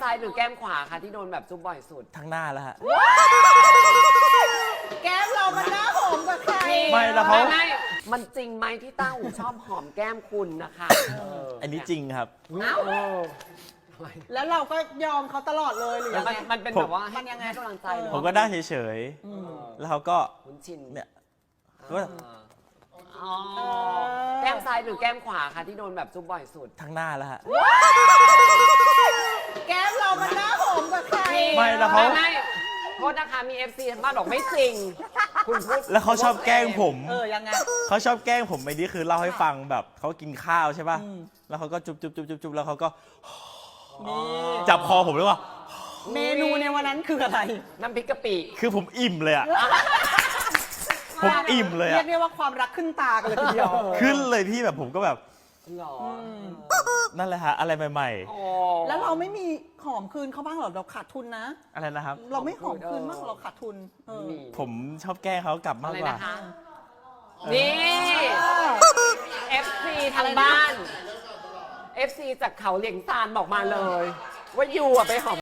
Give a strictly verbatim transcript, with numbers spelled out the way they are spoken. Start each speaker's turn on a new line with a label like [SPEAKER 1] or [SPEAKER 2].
[SPEAKER 1] ายหรือแก้มขวาคะที่โดนแบบจุ๊บบ่อยสุด
[SPEAKER 2] ทั้งหน้าแล้วฮะ
[SPEAKER 3] แก้มเรามันหน้าหอมกว่าใคร
[SPEAKER 2] ไม่แล้วเขา
[SPEAKER 1] ไม่มันจริงไหมที่ต้าหูชอบหอมแก้มคุณนะคะ
[SPEAKER 2] อันนี้จริงครับ
[SPEAKER 1] เอ้า
[SPEAKER 3] แล้วเราก็ยอมเขาตลอดเลยหรือยังไง
[SPEAKER 1] มันเป็นแบบว่ามันยังไงกำลังใจ
[SPEAKER 2] ผมก็ได้เฉยๆแล้วเขาก็
[SPEAKER 1] คุ้นชิน
[SPEAKER 2] เนี่ยก็
[SPEAKER 1] แก้มซ้ายหรือแก้มขวาคะที่โดนแบบจุ๊บบ่อยสุด
[SPEAKER 2] ทั้งหน้าแล้วฮะ
[SPEAKER 3] แก้มเรามันหน้าหอมกว่าใคร
[SPEAKER 2] ไม่แล้วเขา
[SPEAKER 1] ไม่โทษนะคะมี เอฟ ซี ทางบ้านบอกไม่จริงคุณพูด
[SPEAKER 2] แล้วเขาชอบแกล้งผม
[SPEAKER 3] เออยังไง
[SPEAKER 2] เขาชอบแกล้งผมไอ้นี่คือเล่าให้ฟังแบบเขากินข้าวใช่ป่ะแล้วเขาก็จุ๊บจุ๊บจุ๊บจุ๊บจุ๊บแล้วเขาก็จับคอผมเลยว่า
[SPEAKER 3] เมนูในวันนั้นคืออะไร
[SPEAKER 1] น้ำพริกกะปิ
[SPEAKER 2] คือผมอิ่มเลยอะผมอิ่มเลยอะ
[SPEAKER 3] เรียกได้ว่าความรักขึ้นตากันเลยทีเดียว
[SPEAKER 2] ขึ้นเลยพี่แบบผมก็แบบ
[SPEAKER 1] หรอ
[SPEAKER 2] นั่นแหละฮะอะไรใหม่
[SPEAKER 3] ๆแล้วเราไม่มีหอมคืนเขาบ้างหรอเราขาดทุนนะ
[SPEAKER 2] อะไรนะครับ
[SPEAKER 3] เราไม่หอมคืนบ้างเราขาดทุน
[SPEAKER 2] ผมชอบแกล้งเขากลับมากกว่า
[SPEAKER 1] นี่ เอฟ ซี ทางบ้าน เอฟ ซี จากเขาเหลียงซานบอกมาเลยว่ายูอะไปหอม